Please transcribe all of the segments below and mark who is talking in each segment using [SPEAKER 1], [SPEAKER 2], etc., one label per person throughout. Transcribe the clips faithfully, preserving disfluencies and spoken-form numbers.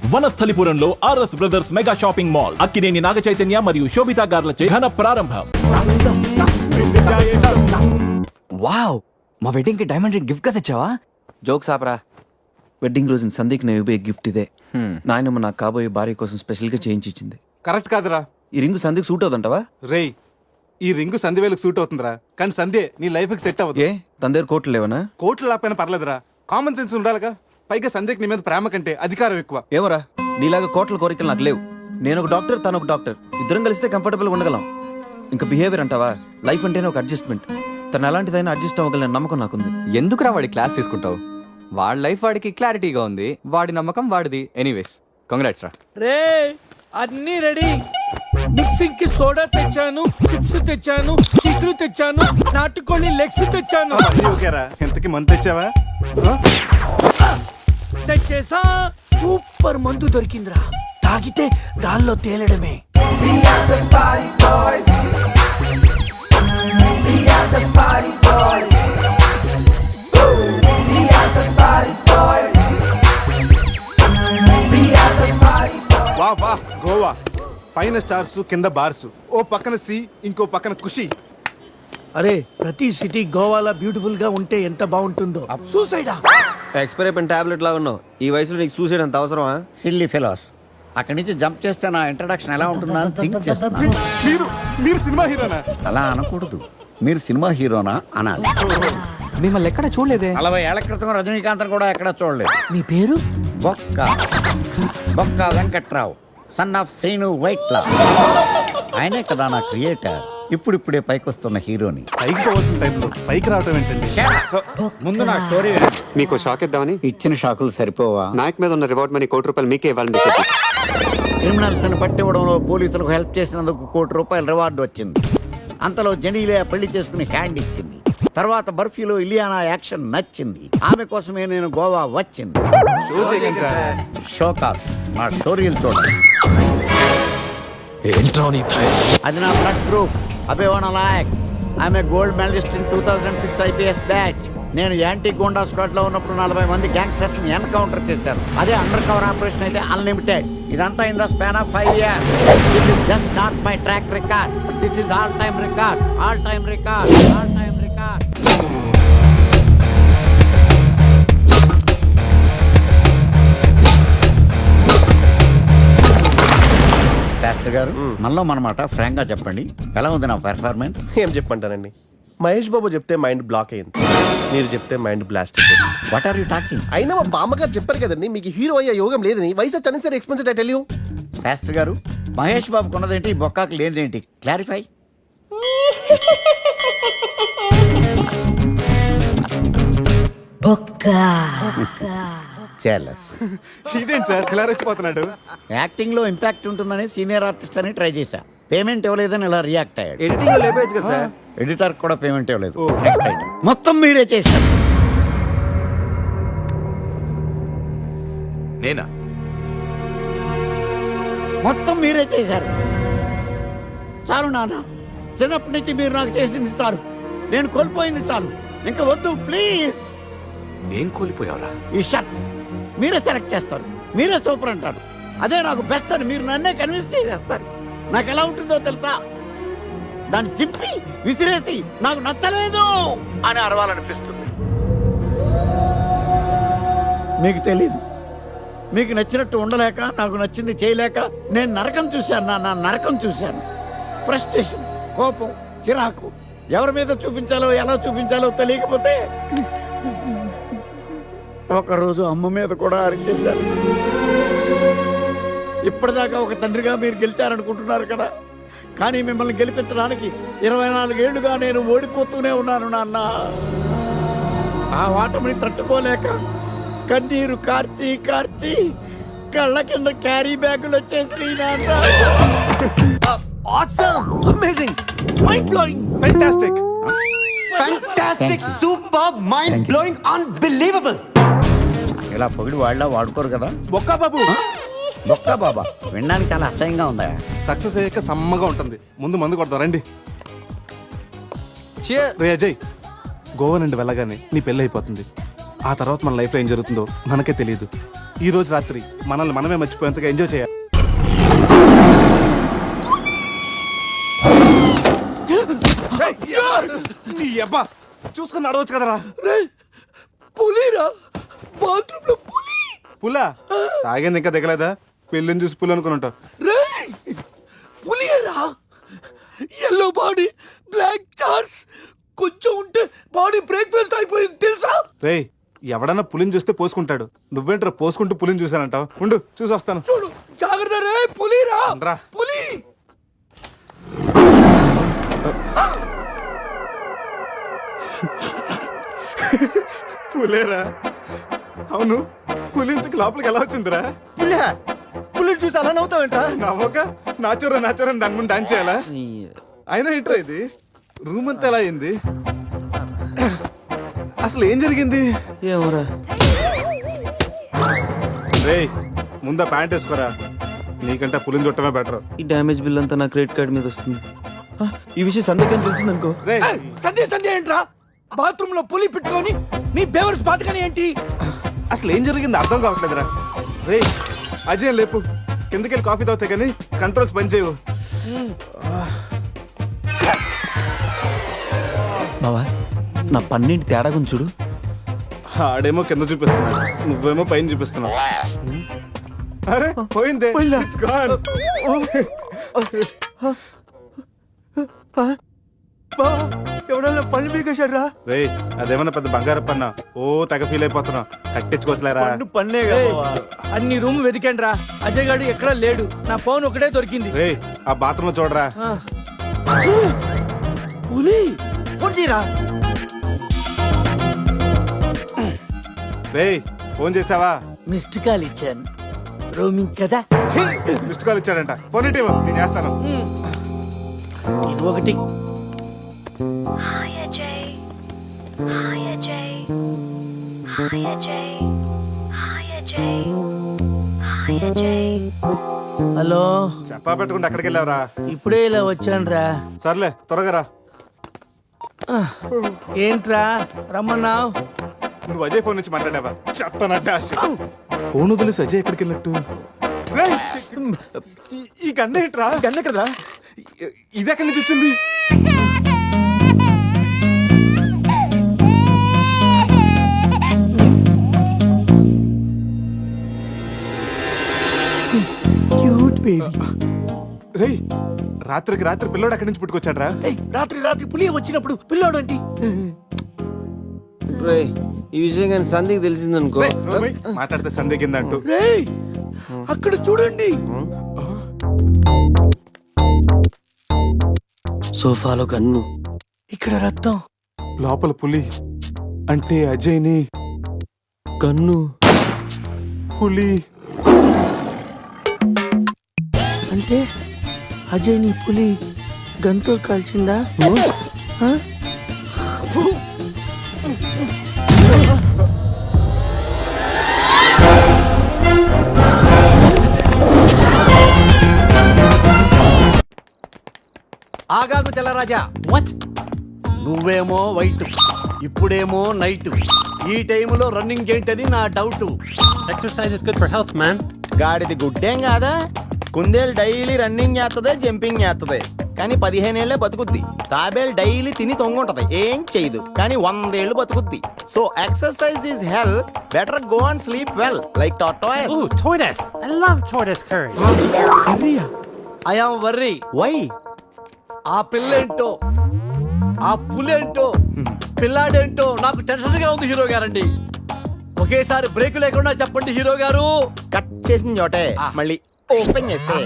[SPEAKER 1] వనస్థలిపురంలో RS brothers mega shopping mall Akkineni Naga Chaitanya మరియు శోభితా గార్లచే ఘన ప్రారంభం.
[SPEAKER 2] వావ్, మా వెడ్డింగ్ కి డైమండ్ రింగ్ గిఫ్ట్ గా తెచ్చావా?
[SPEAKER 3] జోక్స్ ఆపరా. వెడ్డింగ్ రోజున సందీక్ నేను ఇవ్వే గిఫ్ట్ ఇదే. నాయనమ్మ నాకు కాబోయే భార్య కోసం స్పెషల్ గా చేయించి ఇచ్చింది.
[SPEAKER 4] కరెక్ట్ కాదురా.
[SPEAKER 3] ఈ రింగు సందీక్ సూట్ అవుతుంటావా?
[SPEAKER 4] రేయ్, ఈ రింగు సంధ్య వేలకు సూట్ అవుతుందిరా, కానీ సంధ్య నీ లైఫ్ కి సెట్ అవ్వదు.
[SPEAKER 3] ఏ తన దగ్గర కోట్లు లేవనా?
[SPEAKER 4] కోట్లు లేకపోయినా పర్లేదురా, కామన్ సెన్స్ ఉండాలిగా. పైగా సంధ్యకి నీ మీద ప్రేమ కంటే అధికారం ఎక్కువ.
[SPEAKER 3] ఏమరా, నీలాగా కోట్ల కోరికలు నాకు లేవు. నేను ఒక డాక్టర్, తను ఒక డాక్టర్. ఇద్దరం కలిస్తే కంఫర్టబుల్ గా ఉండగలం. ఇంకా బిహేవియర్ అంటావా? లైఫ్ అంటేనే ఒక అడ్జస్ట్మెంట్. తను ఎలాంటిదైనా అడ్జస్ట్ అవ్వగల నమ్మకం నాకుంది.
[SPEAKER 2] ఎందుకురా వాడి క్లాస్ తీసుకుంటావు? వాడి లైఫ్ వాడికి క్లారిటీగా ఉంది, వాడి నమ్మకం వాడిది. ఎనీవేస్, కంగ్రాట్స్ రా.
[SPEAKER 5] రే, అన్ని రెడీ. మిక్సింగ్ కి సోడా తెచ్చాను, చిప్స్ తెచ్చాను, చిక్కులు తెచ్చాను, నాటుకోళ్ళి లెగ్స్ తెచ్చాను.
[SPEAKER 4] ఓకేరా, ఎంతకి మంత్ తెచ్చావా?
[SPEAKER 5] తెచ్చేసా. సూపర్ మందు దొరికిందిరా, తాగితే గాల్లో తేలడమే.
[SPEAKER 4] వా వా గోవా, పైన స్టార్స్ కింద బార్స్, ఓ పక్కన సి ఇంకో పక్కన ఖుషి.
[SPEAKER 5] అరే, ప్రతి సిటీ గోవాలో బ్యూటిఫుల్ గా ఉంటే ఎంత బాగుంటుందో. సూసైడా?
[SPEAKER 3] ఎక్స్పైర్ అయిపోయిన టాబ్లెట్ లాగా ఉన్నావు. ఈ వయసులో నీకు సూసైడ్ అంత అవసరమా?
[SPEAKER 6] Silly fellows. అక్కడి నుంచి జంప్ చేస్తే నా ఇంట్రడక్షన్ ఎలా ఉంటుందా అని థింక్ చేస్తున్నాను.
[SPEAKER 4] మీరు మీరు సినిమా హీరోనా?
[SPEAKER 6] అలా అనకూడదు, మీరు సినిమా హీరోనా అనాలి.
[SPEAKER 2] మిమ్మల్ని ఎక్కడ చూడలేదే.
[SPEAKER 6] నలభై ఏళ్ల క్రితం రజనీకాంత్ కూడా ఎక్కడ చూడలేదు.
[SPEAKER 5] మీ పేరు?
[SPEAKER 6] బొక్క బొక్క వెంకట్రావు, సన్ ఆఫ్ శ్రీను వైట్లా. ఆయనే కదా నా క్రియేటర్. ఇప్పుడిప్పుడే పైకొస్తున్న హీరోని.
[SPEAKER 4] పైకి పోవాల్సిన టైంలో పైకి రావటం ఏంటండి?
[SPEAKER 6] ముందు నా స్టోరీ
[SPEAKER 7] మీకు షాక్ ఇద్దామని.
[SPEAKER 6] ఇచ్చిన షాకులు సరిపోవా?
[SPEAKER 7] నాయక్ మీద ఉన్న రివార్డ్ మనీ కోటి రూపాయలు మీకే ఇవ్వాలని డిసైడ్ చేశాను.
[SPEAKER 6] క్రిమినల్స్ ని పట్టివ్వడంలో పోలీసులకు హెల్ప్ చేసినందుకు కోటి రూపాయల రివార్డు వచ్చింది. అంతలో జెనీలే పెళ్లి చేసుకుని హ్యాండ్ ఇచ్చింది. తర్వాత బర్ఫీలో ఇలియానా యాక్షన్ నచ్చింది. ఆమె కోసమే నేను గోవా వచ్చింది.
[SPEAKER 4] షో చేయండి సార్.
[SPEAKER 6] షో కాదు, నా స్టోరీలు చూడండి. అది నా బ్లడ్ గ్రూప్, అభివన లాయక్. ఆమె gold medalist in two thousand six IPS batch. నేను యాంటీ గోండా స్క్వాడ్ లో ఉన్నప్పుడు నలభై మంది గ్యాంగ్స్టర్స్ ని ఎన్కౌంటర్ చేశారు. అదే అండర్ కవర్ ఆపరేషన్ అయితే అన్లిమిటెడ్. ఇదంతా in the span of five years. This is just not my track record. This is all time record, all time record, all time record. Shastri garu, మనలో మనమాట ఫ్రాంక్ గా చెప్పండి, ఎలా ఉంది నా పెర్ఫార్మెన్స్?
[SPEAKER 8] ఏం చెప్పంటానండి, మహేష్ బాబు చెప్తే మైండ్ బ్లాక్ అయింది, మీరు చెప్తే మైండ్ బ్లాస్ట్ అయిపోయింది.
[SPEAKER 6] What are you talking?
[SPEAKER 8] అయినా మా బామ్మగారు చెప్పారు కదండి మీకు హీరో అయ్యే యోగం లేదని. వయసు చని sir expensive I tell you.
[SPEAKER 6] Shastri garu, Mahesh బాబుకు ఉన్నదేంటి, బొక్కాకి లేనిదేంటి? క్లారిఫై.
[SPEAKER 4] ఇదేంటి సార్ ఇలా రెచ్చిపోతున్నాడు?
[SPEAKER 6] యాక్టింగ్ లో ఇంపాక్ట్ ఉంటుందని సీనియర్ ఆర్టిస్ట్ అని ట్రై చేశా. పేమెంట్ ఇవ్వలేదని ఇలా రియాక్ట్ అయ్యాడు.
[SPEAKER 3] ఎడిటింగ్ లో లేపేయచ్చు కదా సార్.
[SPEAKER 6] ఎడిటర్ కూడా పేమెంట్ ఇవ్వలేదు. నెక్స్ట్ ఐటమ్ మొత్తం మీరే చేశారు.
[SPEAKER 1] నేనా?
[SPEAKER 6] మొత్తం మీరే చేశారు. చాలు నాన్న, చిన్నప్పటి నుంచి మీరు నాకు చేసింది చాలు. నేను కోల్పోయింది చాలు. ఇంకా వద్దు ప్లీజ్.
[SPEAKER 1] నేను కోల్పోయావరా?
[SPEAKER 6] ఈ షర్ట్ మీరే సెలెక్ట్ చేస్తారు, మీరే సూపర్ అంటారు. అదే నాకు బెస్ట్ అని మీరు నన్నే కన్విన్స్ చేసేస్తారు. నాకు ఎలా ఉంటుందో తెలుసా? దాన్ని చింపి విసిరేసి నాకు నచ్చలేదు అని అరవాలనిపిస్తుంది. మీకు తెలీదు, మీకు నచ్చినట్టు ఉండలేక, నాకు నచ్చింది చేయలేక నేను నరకం చూశాను. నా నరకం చూశాను. ఫ్రస్ట్రేషన్, కోపం, చిరాకు, ఎవరి మీద చూపించాలో ఎలా చూపించాలో తెలియకపోతే ఒకరోజు అమ్మ మీద కూడా అరిచేశారు. ఇప్పటిదాకా ఒక తండ్రిగా మీరు గెలిచారనుకుంటున్నారు కదా, కానీ మిమ్మల్ని గెలిపించడానికి ఇరవై నాలుగేళ్లుగా నేను ఓడిపోతూనే ఉన్నాను నాన్న. ఆ ఓటమిని తట్టుకోలేక కన్నీరు కార్చి కార్చి కళ్ళ కింద క్యారీ బ్యాగులు వచ్చేసి
[SPEAKER 2] amazing,
[SPEAKER 5] mind blowing,
[SPEAKER 4] fantastic,
[SPEAKER 2] fantastic, super, mind blowing, unbelievable.
[SPEAKER 6] ఇలా పొగిడి వాళ్ళ వాడుకోరు కదా.
[SPEAKER 4] బొక్కా బాబు,
[SPEAKER 6] బొక్కా బాబా వినడానికి చాలా అసహ్యంగా ఉందా?
[SPEAKER 4] సక్సెస్ అయ్యాక సమ్మగా ఉంటుంది. ముందు మందు కొడతాం రండి. రే అజయ్, గోవా నుండి వెళ్ళగానే నీ పెళ్ళి అయిపోతుంది. ఆ తర్వాత మన లైఫ్లో ఏం జరుగుతుందో మనకే తెలియదు. ఈ రోజు రాత్రి మనల్ని మనమే మర్చిపోయేంతగా ఎంజాయ్ చేయాలి. నీ అబ్బా చూసుకుని నడవచ్చు కదరా.
[SPEAKER 5] పులిరా బాత్రూమ్ లో పులి.
[SPEAKER 4] పులా తాగింది ఇంకా దిగలేదా? పెళ్ళిని చూసి పులి అనుకుని ఉంటావు.
[SPEAKER 5] రేయ్ పులిరా, ఎల్లో బాడీ బ్లాక్ చార్స్, కొంచెం ఉంటే బాడీ బ్రేక్ ఫెయిల్ అయిపోయింది తెలుసా?
[SPEAKER 4] రేయ్ ఎవడన్నా పులిని చూస్తే పోసుకుంటాడు, నువ్వేంట్రా పోసుకుంటూ పులిని చూసానంటావు? ఉండు చూసి వస్తాను.
[SPEAKER 5] చూడు జాగ్రత్త రే, పులిరా
[SPEAKER 4] రా.
[SPEAKER 5] పులి.
[SPEAKER 4] పులేరా? అవును, పులి ఇంతకు లోపలికి ఎలా వచ్చిందిరా?
[SPEAKER 3] పులి పులి చూసి అలా నవ్వుతావేంట్రా?
[SPEAKER 4] నవ్వక నాచురా నాచురా దాని ముందు డాన్స్ చేయాలా? అయినా ఏంట్రా ఇది? రూమ్ అంతా ఎలా అయింది? అసలు ఏం జరిగింది?
[SPEAKER 3] ఏమోరా.
[SPEAKER 4] రేయ్ ముందా ప్యాంట్ వేసుకోరా, నీకంటే పులిని చుట్టమే బెటర్.
[SPEAKER 3] ఈ డ్యామేజ్ బిల్ అంతా నా క్రెడిట్ కార్డ్ మీద వస్తుంది. ఆ, ఈ విషయం సందేహం తెలిసింది అనుకో.
[SPEAKER 4] రేయ్
[SPEAKER 5] ఏయ్, సంధ్య సంధ్య ఏంట్రా బాత్రూమ్ లో పులి పెట్టుకొని మీ బేవర్స్ బాతకని ఏంటి?
[SPEAKER 4] అసలు ఏం జరిగింది అర్థం కావట్లేదురా. రేయ్ అజయ్ లేపు, కిందకెళ్ళి కాఫీ తాగుతాయి కానీ కంట్రోల్స్ పని చేయవు.
[SPEAKER 3] బావా నా పన్నెండు తేడా గురించి చూడు.
[SPEAKER 4] ఆడేమో కింద చూపిస్తున్నాడు, నువ్వేమో పైన చూపిస్తున్నావు. అరే పోయిందే. It's gone.
[SPEAKER 3] ఎవడన్నా పళ్ళు పీకేశారా?
[SPEAKER 4] రేయ్ అదేమన్నా పెద్ద బంగారు పన్న, ఓ తెగ ఫీల్ అయిపోతున్నావు. కట్టించుకోవచ్చులేరా.
[SPEAKER 3] పన్నే
[SPEAKER 5] ఏయ్, అన్ని రూమ్ వెతికండి రా, అజయ్ గాడు ఎక్కడా లేడు, నా ఫోన్ ఒకటే దొరికింది.
[SPEAKER 4] రేయ్ ఆ బాత్రూమ్ లో చూడరా.
[SPEAKER 5] ఆ. పులి
[SPEAKER 3] ఫోన్ చేయరా.
[SPEAKER 4] రేయ్ ఫోన్ చేసావా?
[SPEAKER 5] మిస్డ్ కాల్ ఇచ్చాను, రోమింగ్ కదా.
[SPEAKER 4] మిస్డ్ కాల్ ఇచ్చాడంట, ఫోన్ ఇటీవ్ నేను చేస్తాను.
[SPEAKER 5] ఇది ఒకటి.
[SPEAKER 9] Hi Ajay. Hi Ajay. Hi Ajay. Hi Ajay. Hi Ajay.
[SPEAKER 5] Hello,
[SPEAKER 4] చెప్పా పెట్టుకుంటే అక్కడికి వెళ్ళావరా?
[SPEAKER 5] ఇప్పుడే ఇలా వచ్చాను రా.
[SPEAKER 4] సర్లే త్వరగా రా.
[SPEAKER 5] ఏంట్రా రమ్మన్నావు?
[SPEAKER 4] నువ్వు అజయ్ ఫోన్ నుంచి మాట్లాడావా? చెప్తానంటే ఫోన్ వదిలేసి అజయ్ ఎక్కడికి వెళ్ళినట్టు? రేయ్, ఈ- ఈ గండ ఏంట్రా?
[SPEAKER 3] గన్న ఎక్కడరా?
[SPEAKER 4] ఇది ఎక్కడి నుంచి వచ్చింది?
[SPEAKER 5] Cute baby.
[SPEAKER 4] రేయ్ రాత్రికి రాత్రి పిల్లోడు అక్కడి నుంచి పుట్టుకొచ్చాడ్రా.
[SPEAKER 5] ఏయ్, రాత్రి రాత్రి పులి వచ్చినప్పుడు పిల్లోడు ఏంటి?
[SPEAKER 3] రే ఈ విషయం కానీ సంధికి తెలిసిందనుకో.
[SPEAKER 4] రేయ్, నోర్మై, మాట్లాడితే సందేహిందంటూ.
[SPEAKER 5] రేయ్ అక్కడ చూడండి.
[SPEAKER 3] సోఫాలో గన్ను,
[SPEAKER 5] ఇక్కడ రక్తం.
[SPEAKER 4] లోపల పులి అంటే అజయ్ని
[SPEAKER 3] గన్ను,
[SPEAKER 4] పులి.
[SPEAKER 5] అంటే అజయ్ నీ పులి గంతో కాల్చిందా? ఆ?
[SPEAKER 6] ఆగాగు తెల్లరాజా.
[SPEAKER 5] వాట్?
[SPEAKER 6] నువ్వేమో వైట్, ఇప్పుడేమో నైట్. ఈ టైంలో రన్నింగ్ ఏంటని నా doubt.
[SPEAKER 8] Exercise is good for health man.
[SPEAKER 10] గాడిది గుడ్డేం కాదా, కుందేలు డైలీ రన్నింగ్ చేస్తుంది, జంపింగ్ చేస్తుంది, కానీ పదిహేనేళ్లే బతుకుద్ది. తాబేలు డైలీ తిని తొంగుంటది, ఏం చేయదు, కానీ వందేళ్లు బతుకుద్ది. So exercise is hell, better go and sleep well like tortoise.
[SPEAKER 8] Ooh, tortoise. I love tortoise curry.
[SPEAKER 6] I am worry.
[SPEAKER 10] Why?
[SPEAKER 6] ఆ పిల్లేంటో, ఆ పులేంటో, పిల్లాడేంటో నాకు టెన్షన్ గా ఉంది హీరో గారండి. ఒకేసారి బ్రేక్ లేకుండా చెప్పండి హీరో గారు.
[SPEAKER 10] కట్ చేసిన చోటే మళ్ళీ ఓపెన్ చేస్తే.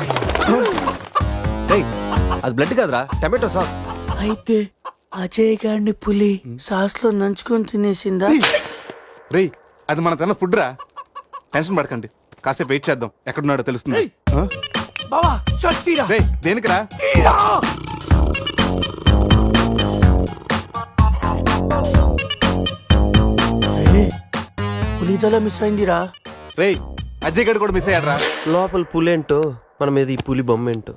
[SPEAKER 3] రేయ్ అది బ్లడ్ కాదురా, టమాటో సాస్.
[SPEAKER 5] అయితే అజయ్ గారిని పులి సాస్ లో నంచుకొని తినేసిందా?
[SPEAKER 4] రేయ్ అది మన తన ఫుడ్ రా, టెన్షన్ పడకండి, కాసేపు వెయిట్ చేద్దాం, ఎక్కడున్నాడో తెలుస్తుంది.
[SPEAKER 5] ఏయ్. బావా షర్ట్ తీరా.
[SPEAKER 4] రేయ్ దేనికి రా?
[SPEAKER 5] తీరా. ఏయ్, పులి తల మిస్ అయిందిరా.
[SPEAKER 4] రేయ్ అజయ్ గడు కూడా మిస్ అయ్యాడ్రా.
[SPEAKER 8] లోపల పులేంటో మన మీద ఈ పులి బొమ్మ ఏంటో.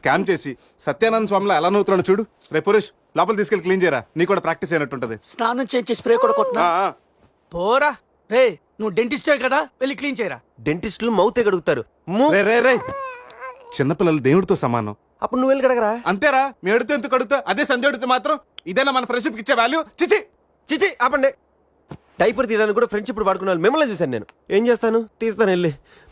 [SPEAKER 4] స్కామ్ చేసి సత్యానంద స్వామిలో ఎలా నవ్వుతున్నాడు చూడు. రేపు పురేష్ లోపల తీసుకెళ్ళి క్లీన్ చేయరా, నీకు కూడా ప్రాక్టీస్ అయినట్టుంటది.
[SPEAKER 5] స్నానం చేయించి స్ప్రే కూడా కొట్టినా
[SPEAKER 4] ఆ, ఆ.
[SPEAKER 5] పోరా రే, నువ్వు డెంటిస్టే కదా, వెళ్ళి క్లీన్ చేయరా.
[SPEAKER 3] డెంటిస్టులు మౌతే కడుగుతారు. మూ-
[SPEAKER 4] రే రే రే చిన్నపిల్లలు దేవుడితో సమానం.
[SPEAKER 3] అప్పుడు నువ్వు వెళ్ళి కడగరా.
[SPEAKER 4] అంతేరా, మీ అడితే ఎందుకు కడుగుతా, అదే సంధ్య అడిగితే మాత్రం ఇదేనా మన ఫ్రెండ్షిప్ ఇచ్చే వాల్యూ? చిచి.
[SPEAKER 3] చిచి ఆపండి. డైపర్ తీయడానికి కూడా ఫ్రెండ్షిప్ వాడుకున్నాను. మిమ్మల్ని చూశాను నేను. ఏం చేస్తాను, తీస్తాను వెళ్ళి.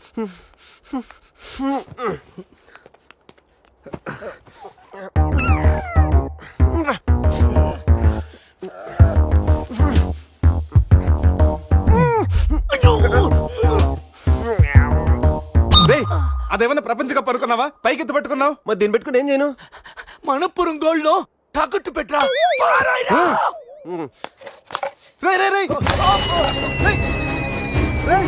[SPEAKER 4] రే అదేమన్నా ప్రపంచ కప్ అనుకున్నావా, పైకి ఎత్తి పట్టుకున్నావు?
[SPEAKER 3] మరి దీన్ని పెట్టుకుని ఏం చేయను?
[SPEAKER 5] మనపురం గోల్డ్ లో తాకట్టు పెట్టరా. పారాయిరా.
[SPEAKER 4] రే రే రే రేయ్! రేయ్!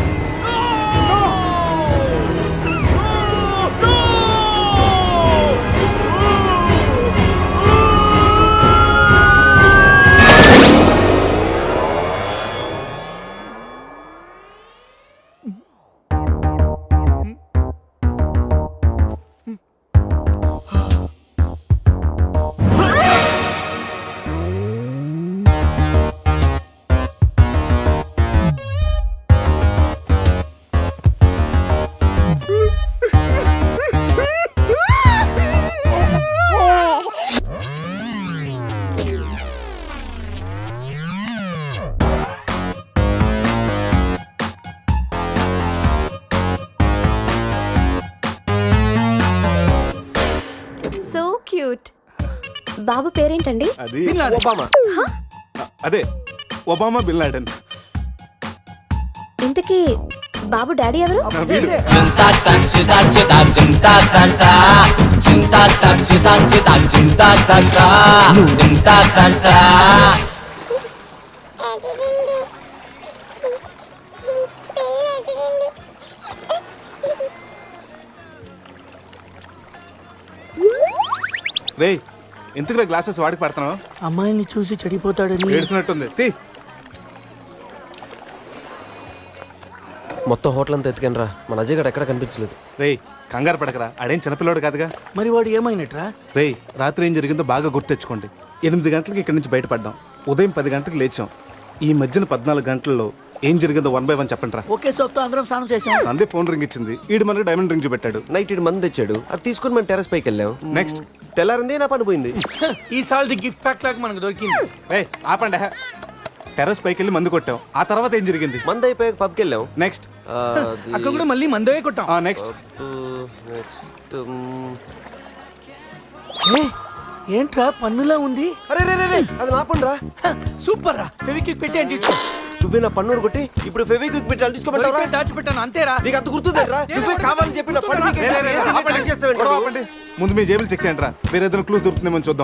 [SPEAKER 9] So cute. బాబు పేరేంటండి?
[SPEAKER 4] అది
[SPEAKER 5] బిన్ లాడెన్.
[SPEAKER 3] ఒబామా.
[SPEAKER 4] అదే ఒబామా బిన్ లాడెన్.
[SPEAKER 9] ఇంతకీ బాబు డాడీ ఎవరు?
[SPEAKER 4] నా వీడు. రేయ్ ఎందుకు గ్లాసెస్ వాడికి పడుతున్నావు?
[SPEAKER 5] అమ్మాయిని చూసి చెడిపోతాడని.
[SPEAKER 4] ఏడ్చినట్టుంది. తీ.
[SPEAKER 3] మొత్తం హోటల్ అంతా ఎత్తుకాను రా. మన అజయ్ గడ ఎక్కడ కనిపించలేదు.
[SPEAKER 4] రేయ్ కంగారు పడకరా, ఆడేం చిన్నపిల్లోడు కాదుగా.
[SPEAKER 5] మరి వాడు ఏమైనట్రా?
[SPEAKER 4] రేయ్ రాత్రి ఏం జరిగిందో బాగా గుర్తెచ్చుకోండి. ఎనిమిది గంటలకి ఇక్కడి నుంచి బయటపడ్డాం, ఉదయం పది గంటలకు లేచాం. ఈ మధ్యన పద్నాలుగు గంటల్లో ఏం జరిగిందో వన్ బై వన్ చెప్పండి రా.
[SPEAKER 5] ఒకే సోప్తో అందరం స్నానం చేసాం.
[SPEAKER 4] సందే ఫోన్ రింగ్ ఇచ్చింది, ఈడు మనకి డైమండ్ రింగ్ చూపెట్టాడు.
[SPEAKER 3] నైట్ ఇటు మంది తెచ్చాడు, అది తీసుకుని మనం టెరస్ పైకి వెళ్ళాం.
[SPEAKER 4] నెక్స్ట్
[SPEAKER 3] తెల్లారింది నా పని పోయింది.
[SPEAKER 5] ఈ సాల్ది గిఫ్ట్ ప్యాక్ లాగా మనకు దొరికింది.
[SPEAKER 4] రేయ్ ఆపండి. టెర్రస్ పైకి వెళ్ళి మందు కొట్టాం. ఆ తర్వాత ఏం జరిగింది?
[SPEAKER 3] మంది అయిపోయాక పబ్కి వెళ్ళాం.
[SPEAKER 4] నెక్స్ట్
[SPEAKER 3] ఆ, అది-
[SPEAKER 5] అక్కడ కూడా మళ్ళీ మందే కొట్టాం.
[SPEAKER 4] ఆ నెక్స్ట్
[SPEAKER 3] ఆ, next, మ్,
[SPEAKER 5] ఏ, ఏంట్రా పన్నులా ఉంది?
[SPEAKER 3] అరే రే రే రే, అది నా పని రా.
[SPEAKER 5] హ, సూపర్ రా. ఫెవిక్విక్ పెట్టి అంటే ఇచ్చు.
[SPEAKER 3] నువ్వే నా పన్ను కొట్టి ఇప్పుడు ఫెవిక్విక్ పెట్టి తీసుకోమంటారా?
[SPEAKER 5] దొరికే దాచిపెట్టాను అంతేరా.
[SPEAKER 3] నీకు అంత గుర్తుందేంట్రా? నువ్వే కావాలని చెప్పి నా పన్ను పీకేసి ఏం తెలియదు ట్రాక్ చేస్తావేంట్రా
[SPEAKER 4] గొడవ
[SPEAKER 3] నువ్వు?
[SPEAKER 4] ఆపండి. ముందు మీ జేబులు చెక్ చేయండి రా, వేరే ఏదైనా క్లూస్ దొరుకుతుందేమో చూద్దాం.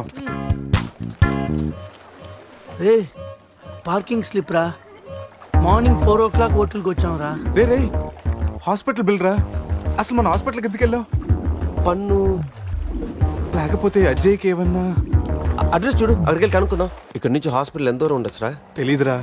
[SPEAKER 5] రే పార్కింగ్ స్లిప్ రా. మార్నింగ్ ఫోర్ ఓ క్లాక్ హోటల్కి వచ్చాం రా.
[SPEAKER 4] రే రే హాస్పిటల్ బిల్ రా. అసలు మన హాస్పిటల్కి ఎందుకు వెళ్ళావు?
[SPEAKER 3] పన్ను
[SPEAKER 4] లేకపోతే అజయ్కి ఏమన్నా
[SPEAKER 3] అడ్రస్ చూడు, అక్కడికి వెళ్ళి కనుక్కుందాం. ఇక్కడ నుంచి హాస్పిటల్ ఎంత దూరం ఉండొచ్చురా?
[SPEAKER 4] తెలీదురా.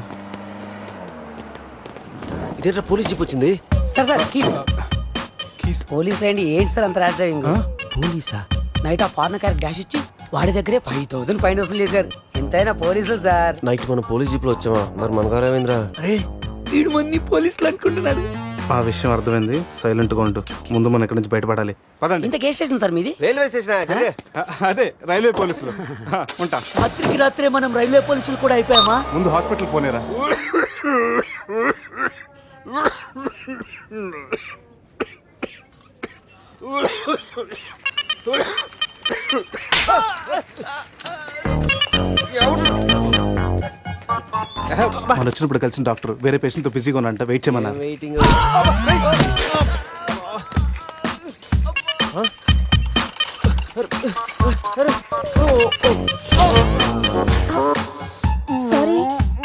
[SPEAKER 3] ఇదేంట్రా పోలీస్ జీప్ వచ్చింది?
[SPEAKER 11] సార్ సార్ కీస్ పోలీస్ రండి. ఏంటి సార్ అంత ర్యాష్ డ్రైవింగ్?
[SPEAKER 3] పోలీసా?
[SPEAKER 11] నైట్ ఆ ఫారెన్ కార్ డాష్ ఇచ్చి వాడి దగ్గరే ఫైవ్ థౌసండ్ ఫైన్ వసూలు చేశారు. ఎంతైనా పోలీసులు సార్.
[SPEAKER 3] నైట్ మనం పోలీస్ జీప్ లో వచ్చామా? మరి మన గారు ఏమైందిరా?
[SPEAKER 5] రే వీడు మంది పోలీసులు అనుకుంటున్నాడు.
[SPEAKER 4] ఆ విషయం అర్థమైంది, సైలెంట్ గా ఉంటూ. ముందు మనం ఇక్కడి నుంచి బయటపడాలి. పదండి.
[SPEAKER 11] ఇంత కేసు స్టేషన్ సార్ మీది?
[SPEAKER 3] Railway station.
[SPEAKER 4] అ- అదే రైల్వే పోలీసులు. హ, ఉంటా.
[SPEAKER 5] రాత్రికి రాత్రే మనం రైల్వే పోలీసులు కూడా అయిపోయామా?
[SPEAKER 4] ముందు హాస్పిటల్ పోనేరా. మనం వచ్చినప్పుడు కలిసిన డాక్టర్ వేరే పేషెంట్ తో బిజీగా ఉన్నంట, వెయిట్ చేయమన్నారు.
[SPEAKER 3] వెయిటింగ్.
[SPEAKER 9] సారీ.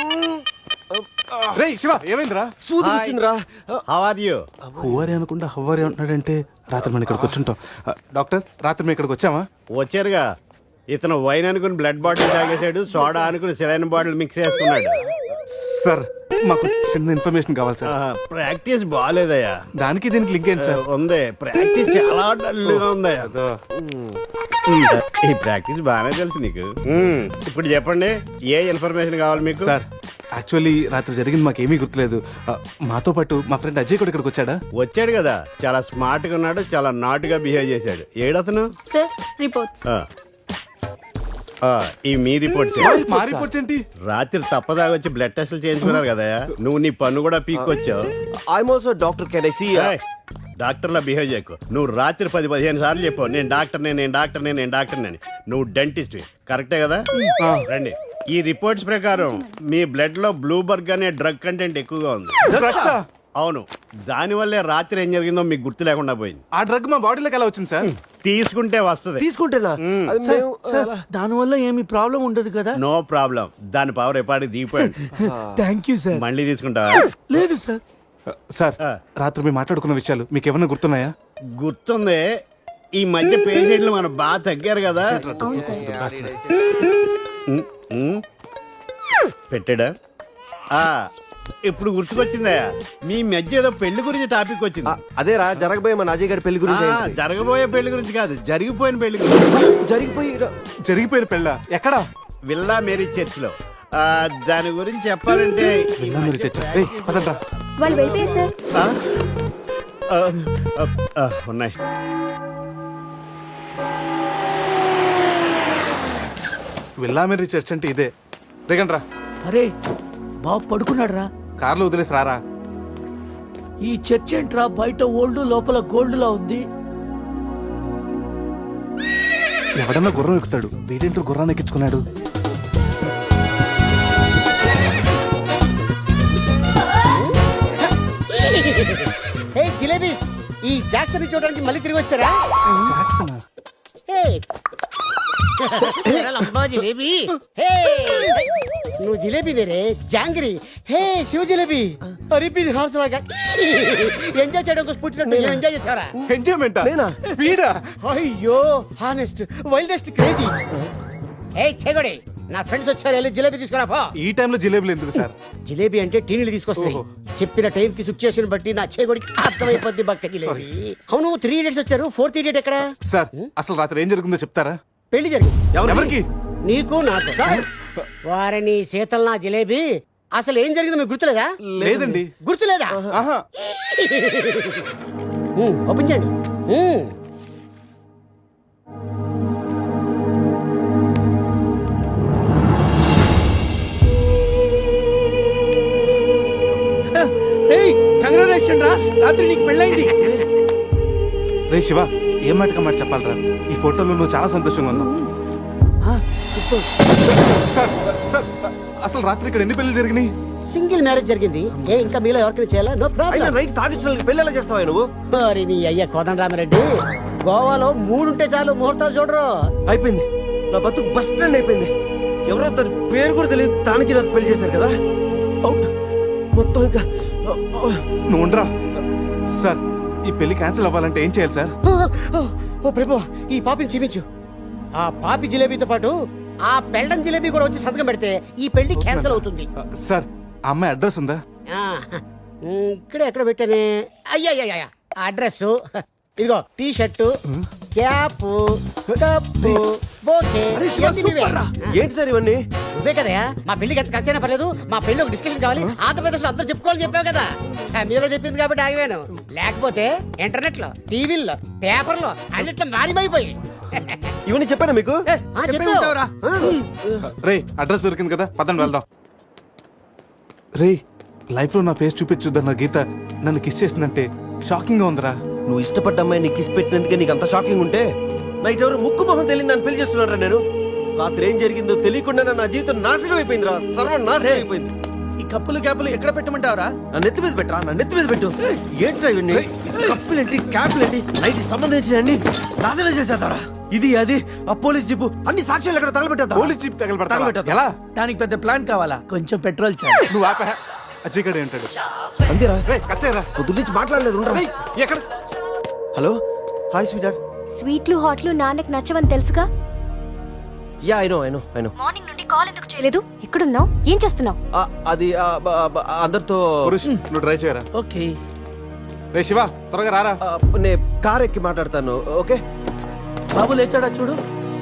[SPEAKER 4] రేయ్ శివ ఏమైందిరా?
[SPEAKER 3] సూది వచ్చిందిరా.
[SPEAKER 10] How are you?
[SPEAKER 4] హువారి అనుకుంటా హువారి అంటున్నాడంటే రాత్రి మనం ఇక్కడికి వచ్చుంటాం. ఆ, డాక్టర్ రాత్రి మేము ఇక్కడికి వచ్చామా?
[SPEAKER 10] వచ్చారుగా. ఇతను వైన్ అనుకుని బ్లడ్ బాటిల్ తాగేశాడు, సోడా అనుకుని సెలైన్ బాటిల్ మిక్స్ చేసుకున్నాడు.
[SPEAKER 4] సార్ మాకు చిన్న ఇన్ఫర్మేషన్ కావాలి సార్.
[SPEAKER 6] ప్రాక్టీస్ బాగాలేదయ్యా.
[SPEAKER 4] దానికి దీనికి లింక్ ఏంటి సార్?
[SPEAKER 6] ఉంది, ప్రాక్టీస్ చాలా డల్గా ఉందయ్యా. ఈ ప్రాక్టీస్ బాగానే తెలుసు నీకు. ఉమ్, ఇప్పుడు చెప్పండి, ఏ ఇన్ఫర్మేషన్ కావాలి మీకు?
[SPEAKER 4] సార్ యాక్చువల్లీ రాత్రి జరిగింది మాకేమీ గుర్తులేదు. ఆ, మాతో పాటు మా ఫ్రెండ్ అజయ్ కూడా ఇక్కడికి వచ్చాడా?
[SPEAKER 6] వచ్చాడు కదా, చాలా స్మార్ట్ గా ఉన్నాడు, చాలా నాట్ గా బిహేవ్ చేశాడు. ఏడతను?
[SPEAKER 9] Sir reports.
[SPEAKER 6] ఆ. ఆ, ఈ మీ రిపోర్ట్స్.
[SPEAKER 4] మా రిపోర్ట్స్ ఏంటి?
[SPEAKER 6] రాత్రి తప్పదాగా వచ్చి బ్లడ్ టెస్టులు చేయించుకున్నారు కదా, నువ్వు నీ పన్ను కూడా పీక్కొచ్చావు.
[SPEAKER 3] I'm also doctor, can I see?
[SPEAKER 6] డాక్టర్లా బిహేవ్ చేయకు. నువ్వు రాత్రి పది పదిహేను సార్లు చెప్పావు నేను డాక్టర్నే, నేను డాక్టర్నే, నేను డాక్టర్నే. నువ్వు డెంటిస్ట్ కరెక్టే కదా? రండి. ఈ రిపోర్ట్స్ ప్రకారం మీ బ్లడ్ లో బ్లూబర్గ్ అనే డ్రగ్ కంటెంట్ ఎక్కువగా ఉంది. అవును, దానివల్లే రాత్రి ఏం జరిగిందో మీకు గుర్తు లేకుండా పోయింది.
[SPEAKER 4] ఆ డ్రగ్ మా బాడీలోకి ఎలా వచ్చింది సార్?
[SPEAKER 6] తీసుకుంటే వస్తుంది.
[SPEAKER 3] తీసుకుంటేనా? అది మేము
[SPEAKER 5] సార్ దానివల్ల ఏమి ప్రాబ్లం ఉండదు కదా?
[SPEAKER 6] No problem. దాని పవర్ ఎప్పటికి దిగిపోయింది.
[SPEAKER 5] Thank you sir.
[SPEAKER 6] మళ్ళీ తీసుకుంటావా?
[SPEAKER 5] లేదు సార్.
[SPEAKER 4] సార్ రాత్రి మేము మాట్లాడుకున్న విషయాలు మీకు ఏమన్నా గుర్తున్నాయా?
[SPEAKER 6] గుర్తుంది. ఈ మధ్య పేషెంట్లు మనం బాగా తగ్గారు కదా. ఉమ్, ఉమ్. పెట్టాడా? ఆ, ఇప్పుడు గుర్తుకొచ్చిందయ్యా, మీ మధ్య ఏదో పెళ్లి గురించి టాపిక్ వచ్చింది.
[SPEAKER 3] అదేరా జరగబోయే మన అజయ్ గారి పెళ్లి గురించి.
[SPEAKER 6] ఆ, జరగబోయే పెళ్లి గురించి కాదు, జరిగిపోయిన పెళ్లి గురించి.
[SPEAKER 3] జరిగిపోయి
[SPEAKER 4] జరిగిపోయిన పెళ్ళ ఎక్కడా?
[SPEAKER 6] విల్లా మేరీ చర్చ్ లో. ఆ, దాని గురించి చెప్పాలంటే
[SPEAKER 4] విన్నా మీరు చర్చ. రేయ్, పదండ్రా.
[SPEAKER 9] వాళ్ళు వెళ్ళిపోయారు సార్.
[SPEAKER 6] ఆ? ఆ, ఆ, ఆ, ఉన్నాయి.
[SPEAKER 4] విల్లా మేరీ చర్చ్ అంటే ఇదే. దిగండ్రా.
[SPEAKER 5] అరే బాబు పడుకున్నాడు రా.
[SPEAKER 4] కార్లో వదిలేసి రారా.
[SPEAKER 5] ఈ చర్చ్ ఏంట్రా, బయట ఓల్డ్ లోపల గోల్డ్ లా ఉంది.
[SPEAKER 4] ఎవడన్నా గుర్రం ఎక్కుతాడు, వీడేంటో గుర్రాన్ని ఎక్కించుకున్నాడు.
[SPEAKER 11] హే జిలేబీస్, ఈ జాక్సన్ చూడడానికి మళ్ళీ తిరిగి వచ్చారా?
[SPEAKER 4] జాక్సనా?
[SPEAKER 11] హే లంబా జిలేబీ. హే నువ్వు జిలేబీ దేరే జాంగిరి. హే శివ జిలేబీ. రిపీట్ హార్స్ లాగా ఎంజాయ్ చేయడం కోసం పుట్టినట్టు ఎంజాయ్ చేసావరా?
[SPEAKER 4] ఎంజాయ్మెంటా? వీడా?
[SPEAKER 11] అయ్యో హానెస్ట్ వైల్డెస్ట్ క్రేజీ. ఏ చెగొడి, నా ఫ్రెండ్స్ వచ్చారు, వెళ్ళి జిలేబీ తీసుకురా పో.
[SPEAKER 4] ఈ టైంలో జిలేబులు ఎందుకు సార్?
[SPEAKER 11] జిలేబీ అంటే టీనీలు తీసుకొస్తాయి. చెప్పిన టైం కి సిచ్యుయేషన్ బట్టి నా చేగొడికి అర్థమైపోద్ది బక్క జిలేబీ. అవును, త్రీ ఇడియట్స్ వచ్చారు, ఫోర్త్ ఇడియట్ ఎక్కడ?
[SPEAKER 4] సార్ అసలు రాత్రి ఏం జరిగిందో చెప్తారా?
[SPEAKER 11] పెళ్లి జరిగింది.
[SPEAKER 4] ఎవరికి?
[SPEAKER 11] నీకు నాకు. వారిని శీతల్ నా జిలేబీ. అసలు ఏం జరిగిందో మీకు గుర్తులేదా?
[SPEAKER 4] లేదండి.
[SPEAKER 11] గుర్తులేదా?
[SPEAKER 4] ఆహా.
[SPEAKER 11] ఉమ్, ఓపెన్ చేయండి. ఉమ్.
[SPEAKER 5] ఏయ్ కంగ్రాచులేషన్ రా, రాత్రి నీకు పెళ్ళైంది.
[SPEAKER 4] రే శివ, ఏం మాటగా మాట చెప్పాలరా? ఈ ఫోటోలో నువ్వు చాలా సంతోషంగా ఉన్నావు. సార్ సార్ అసలు రాత్రి ఇక్కడ ఎన్ని పెళ్లి జరిగినాయి?
[SPEAKER 11] సింగిల్ మ్యారేజ్ జరిగింది. ఏ ఇంకా మీలో ఎవరికైనా చేయాలా? No problem.
[SPEAKER 3] రైట్, తాగించిన పెళ్లి ఎలా చేస్తావా నువ్వు?
[SPEAKER 11] మరి నీ అయ్యా కోదండరామిరెడ్డి, గోవాలో మూడుంటే చాలు ముహూర్తాలు చూడరు.
[SPEAKER 3] అయిపోయింది, నా బతుకు బస్ స్టాండ్ అయిపోయింది. ఎవరో తన పేరు కూడా తెలియదు, దానికి నాకు పెళ్లి చేశారు కదా. అవుట్ మొత్తం. ఇంకా
[SPEAKER 4] నువ్వు ఉండరా. సార్ ఈ పెళ్లి క్యాన్సిల్ అవ్వాలంటే ఏం చేయాలి సార్?
[SPEAKER 11] ఓ ప్రభు, ఈ పాపిని చూపించు. ఆ పాపి జిలేబీతో పాటు ఆ పెళ్ళం జిలేబీ కూడా వచ్చి సంతకం పెడితే ఈ పెళ్లి క్యాన్సిల్ అవుతుంది.
[SPEAKER 4] సార్ ఆ అమ్మాయి అడ్రస్ ఉందా?
[SPEAKER 11] ఆ, ఉమ్, ఇక్కడే ఎక్కడ పెట్టానే? అయ్యా అయ్యా అడ్రస్ ఇదిగో. T shirt, cap, cup, bouquet. ఇవన్నీ నువ్వే.
[SPEAKER 3] ఏంటి సార్ ఇవన్నీ?
[SPEAKER 11] నువ్వే కదయా మా పెళ్లికి ఎంత ఖర్చైనా పర్లేదు, మా పెళ్లి ఒక డిస్కషన్ కావాలి, ఆంధ్రప్రదేశ్ లో అందరూ చెప్పుకోవాలని చెప్పావు కదా. సమీరో చెప్పింది కాబట్టి ఆగిపోయాను, లేకపోతే ఇంటర్నెట్ లో, టీవీల్లో, పేపర్లో అన్నిట్లో మారిపోయి.
[SPEAKER 3] ఇవన్నీ చెప్పానా మీకు?
[SPEAKER 4] రే అడ్రస్ దొరికింది కదా, పదండి వెళ్దాం. రే లైఫ్ లో నా ఫేస్ చూపించుద్దన్న గీత నన్ను కిస్ చేసిందంటే షాకింగ్ గా ఉందిరా.
[SPEAKER 3] నువ్వు ఇష్టపడ్డ అమ్మాయి నీకు కిస్ పెట్టినందుకే నీకు అంత షాకింగ్ ఉంటే, నైట్ ఎవరు ముక్కు మొహం తెలియదు అని పెళ్లి చేస్తున్నారా? నేను రాత్రి ఏం జరిగిందో తెలియకుండా నా జీవితం నాశనం అయిపోయిందిరా, సర్వం నాశనం అయిపోయింది.
[SPEAKER 5] ఈ కప్పులు క్యాపులు ఎక్కడ పెట్టమంటావరా?
[SPEAKER 3] నా నెత్తి మీద పెట్టరా, నా నెత్తి మీద పెట్టు. ఏంట్రా ఇవన్నీ? కప్పులేంటి, క్యాపులేంటి, నైట్ సంబంధించిన నాశనం చేసేద్దారా? ఇది అది ఆ పోలీస్ జీపు అన్ని సాక్ష్యాలు ఎక్కడ తగలబెట్టా?
[SPEAKER 4] పోలీస్ జీప్ తగలబెడతా ఎలా?
[SPEAKER 5] దానికి పెద్ద ప్లాన్ కావాలా? కొంచెం పెట్రోల్ చాలు.
[SPEAKER 4] నువ్వు ఆపా. అజయ్ గడే ఉంటాడు.
[SPEAKER 3] అంతేరా?
[SPEAKER 4] రే కచ్చేరా,
[SPEAKER 3] పొద్దు నుంచి మాట్లాడలేదు. ఉండరా.
[SPEAKER 4] ఎక్కడ?
[SPEAKER 3] Hello, hi sweet heart.
[SPEAKER 9] స్వీట్లు హాట్లు నాన్నకి నచ్చవని తెలుసుగా.
[SPEAKER 3] Yeah I know I know I know.
[SPEAKER 9] Morning నుండి కాల్ ఎందుకు చేయలేదు? ఎక్కడున్నావు? ఏం చేస్తున్నావు?
[SPEAKER 3] ఆ, అది ఆ, బ- బ- అందరితో
[SPEAKER 4] పురుష్ నువ్వు ట్రై చేయరా.
[SPEAKER 5] ఓకే.
[SPEAKER 4] రే శివ త్వరగా రారా.
[SPEAKER 3] ఆ, నేను కార్ ఎక్కి మాట్లాడతాను. ఓకే.
[SPEAKER 5] బాబు లేచాడా చూడు.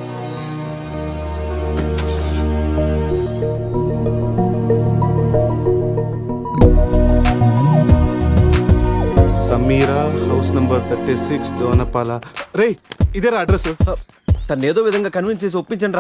[SPEAKER 4] Sameera house number thirty six Donapala. రే ఇదేరా అడ్రస్.
[SPEAKER 3] ఆ, తను ఏదో విధంగా కన్విన్స్ చేసి ఒప్పించండి రా.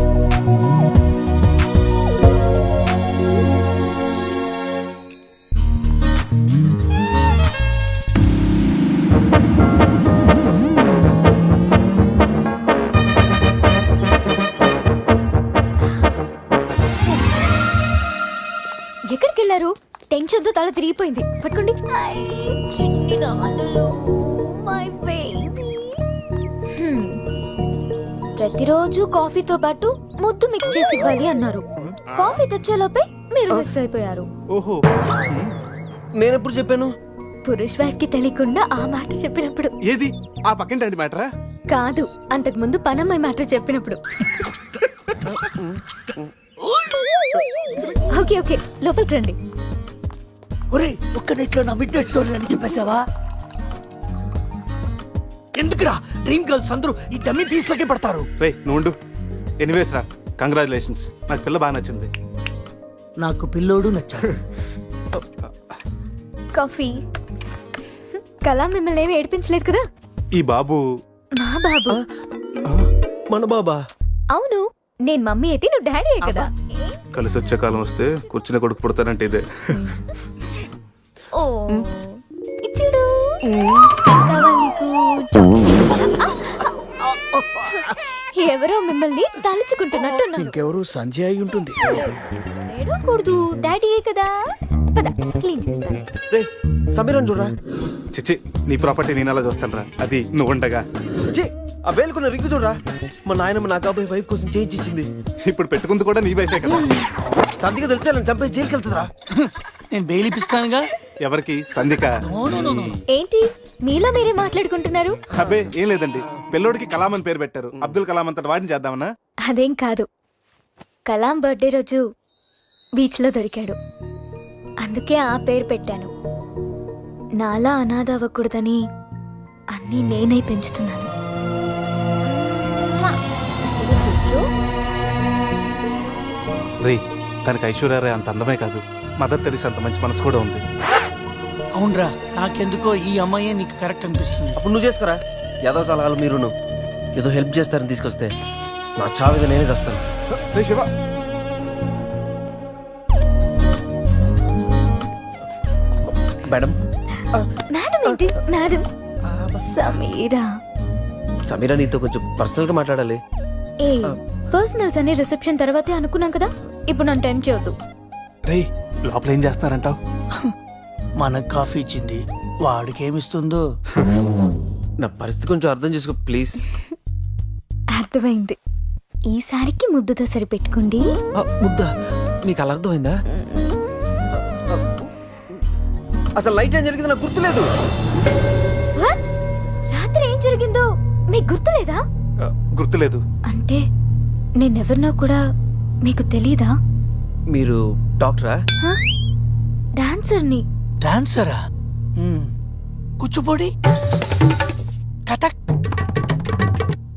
[SPEAKER 9] ఎక్కడికి వెళ్ళారు? టెన్షన్ తో తల తిరిగిపోయింది. పట్టుకోండి. ఐ, చిన్ని నాన్నలు, my baby. హ్మ్. ప్రతిరోజు కాఫీతో పాటు ముద్దు మిక్స్ చేసి ఇవ్వాలి అన్నారు. కాఫీ తెచ్చేలోపే మీరు మిస్ అయిపోయారు.
[SPEAKER 4] ఓహో
[SPEAKER 3] నేను ఎప్పుడు చెప్పాను?
[SPEAKER 9] పురుష్ వైఫ్ కి తెలియకుండా ఆ మాట చెప్పినప్పుడు.
[SPEAKER 4] ఏది ఆ పక్కింటి మ్యాటరా?
[SPEAKER 9] కాదు, అంతకు ముందు పనమ్మాయి మాట చెప్పినప్పుడు. ఓకే ఓకే, లోపలికి రండి.
[SPEAKER 5] ఒరే ఒక్క నెట్లో నా మిడ్ నైట్ స్టోరీ అని చెప్పేసావా? ఎందుకురా డ్రీమ్ గర్ల్స్ అందరూ ఈ డమ్మీ పీస్లకే పడతారు?
[SPEAKER 4] రే నువ్వు ఉండు. ఎనీవేస్ రా, కంగ్రాచులేషన్స్. నాకు పిల్ల బాగా నచ్చింది.
[SPEAKER 5] నాకు పిల్లోడు నచ్చాడు.
[SPEAKER 9] కాఫీ. కళా మిమ్మల్ని ఏమి ఏడిపించలేదు కదా?
[SPEAKER 4] ఈ బాబు
[SPEAKER 9] మా బాబు.
[SPEAKER 3] మన బాబా?
[SPEAKER 9] అవును, నేను మమ్మీ అయితే నువ్వు డాడీ అయ్యే కదా.
[SPEAKER 4] కలిసి వచ్చే కాలం వస్తే కూర్చుని కొడుకు పుడతానంటే ఇదే.
[SPEAKER 9] ఓ ఇచ్చుడు. కావాలి నీకు? ఎవరో మిమ్మల్ని తలుచుకుంటున్నట్టున్నారు.
[SPEAKER 8] ఇంకెవరు సంజయ్ అయి ఉంటుంది.
[SPEAKER 9] ఏడవకూడదు, డాడీయే కదా. పద క్లీన్ చేస్తాను.
[SPEAKER 3] రే సమీరన్ చూడరా.
[SPEAKER 4] చిచ్చి నీ ప్రాపర్టీ నేను అలా చూస్తాను రా. అది నువ్వు ఉండగా.
[SPEAKER 3] ఛీ, ఆ వేలుకున్న రింగు చూడరా. మా నాయనమ్మ నా కాబోయే వైఫ్ కోసం చేయించి ఇచ్చింది.
[SPEAKER 4] ఇప్పుడు పెట్టుకుంది కూడా నీ వయసే కదా.
[SPEAKER 3] సంధిగా తెలిస్తే నన్ను చంపేసి జైలుకి వెళ్తుందిరా.
[SPEAKER 5] నేను బెయిల్ ఇప్పిస్తానుగా.
[SPEAKER 4] ఎవరికి? సంధిక.
[SPEAKER 9] ఏంటి మీలో మీరే మాట్లాడుకుంటున్నారు?
[SPEAKER 4] అబ్బే ఏం లేదండి, పిల్లోడికి కలాం అని పేరు పెట్టారు. అబ్దుల్ కలాం అంతటి వాడిని చేద్దామన్నా.
[SPEAKER 9] అదేం కాదు, కలాం బర్త్డే రోజు బీచ్ లో దొరికాడు, అందుకే ఆ పేరు పెట్టాను. నాలా అనాథ అవ్వకూడదని అన్నీ నేనే పెంచుతున్నాను.
[SPEAKER 4] రే తనకి ఐశ్వర్య అంత అందమే కాదు, మదర్ తెరిసా అంత మంచి మనసు కూడా ఉంది.
[SPEAKER 5] అవునరా, నాకెందుకో ఈ అమ్మాయే నీకు కరెక్ట్ అనిపిస్తుంది.
[SPEAKER 3] అప్పుడు నువ్వు చేసుకురా. ఏదో సలహాలు మీరును ఏదో హెల్ప్ చేస్తారని తీసుకొస్తే నా చావేదో నేనే చేస్తాను.
[SPEAKER 4] రే శివ.
[SPEAKER 3] మేడం.
[SPEAKER 9] మేడం ఏంటి మేడం? సమీరా.
[SPEAKER 3] సమీరా నీతో కొంచెం పర్సనల్ గా మాట్లాడాలి.
[SPEAKER 9] ఏ పర్సనల్స్ అనే రిసెప్షన్ తర్వాతే అనుకున్నాం కదా, ఇప్పుడు నన్ను టెంప్ట్ చేయొద్దు.
[SPEAKER 4] రే లోపల ఏం చేస్తున్నారంటావు?
[SPEAKER 5] మనకు కాఫీ ఇచ్చింది, వాడికి ఏమిస్తుందో.
[SPEAKER 3] నా పరిస్థితి కొంచెం అర్థం చేసుకో ప్లీజ్.
[SPEAKER 9] అర్థమైంది. ఈసారికి ముద్దుతో సరిపెట్టుకోండి.
[SPEAKER 3] ముద్దా? నీకు అలా అర్థమైందా? అసలు లైట్ ఏం జరిగింది నాకు గుర్తులేదు.
[SPEAKER 9] What? రాత్రి ఏం జరిగిందో మీకు గుర్తులేదా?
[SPEAKER 4] ఆ, గుర్తులేదు.
[SPEAKER 9] అంటే నేనెవరినో కూడా మీకు తెలీదా?
[SPEAKER 3] మీరు డాక్టరా?
[SPEAKER 9] డాన్సర్ని.
[SPEAKER 5] డాన్సరా? కూచిపూడి, కథక్,